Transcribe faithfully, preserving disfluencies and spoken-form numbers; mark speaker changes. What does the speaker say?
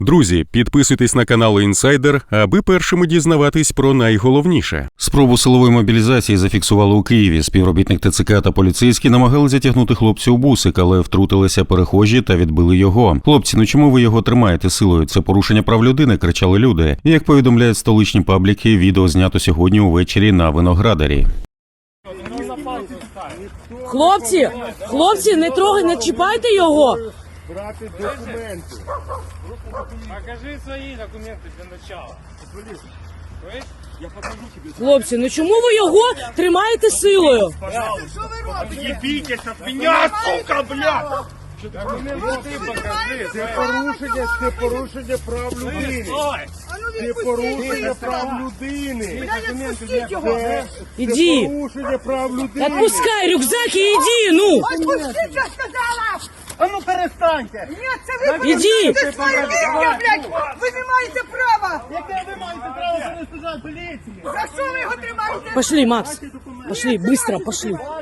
Speaker 1: Друзі, підписуйтесь на канал «Інсайдер», аби першими дізнаватись про найголовніше.
Speaker 2: Спробу силової мобілізації зафіксували у Києві. Співробітник ТЦК та поліцейські намагалися затягнути хлопця у бусик, але втрутилися перехожі та відбили його. «Хлопці, ну чому ви його тримаєте силою? Це порушення прав людини», – кричали люди. І, як повідомляють столичні пабліки, відео знято сьогодні увечері на Виноградарі.
Speaker 3: Хлопці, хлопці, не трогай, не чіпайте його.
Speaker 4: Брати документи.
Speaker 5: Покажи свої документи для начала. Я покажу тебе.
Speaker 3: Хлопці, ну чому ви його тримаєте силою?
Speaker 5: Не бійтесь від мене, сука, блядь!
Speaker 4: Це порушення, це порушення прав людини. Це порушення прав людини. Це
Speaker 3: Іди.
Speaker 4: порушення прав людини.
Speaker 3: Отпускай рюкзак і іди, ну.
Speaker 6: Отпустіть, я сказала!
Speaker 5: А ну перестаньте!
Speaker 6: Ні, це ви
Speaker 3: Іди.
Speaker 6: порушуєте своє рівня, блядь! Ви не маєте права!
Speaker 5: Яке ви маєте право перешкоджати поліції?
Speaker 6: За що ви його тримаєте?
Speaker 3: Пошли, Макс. Пошли, быстро, пошли.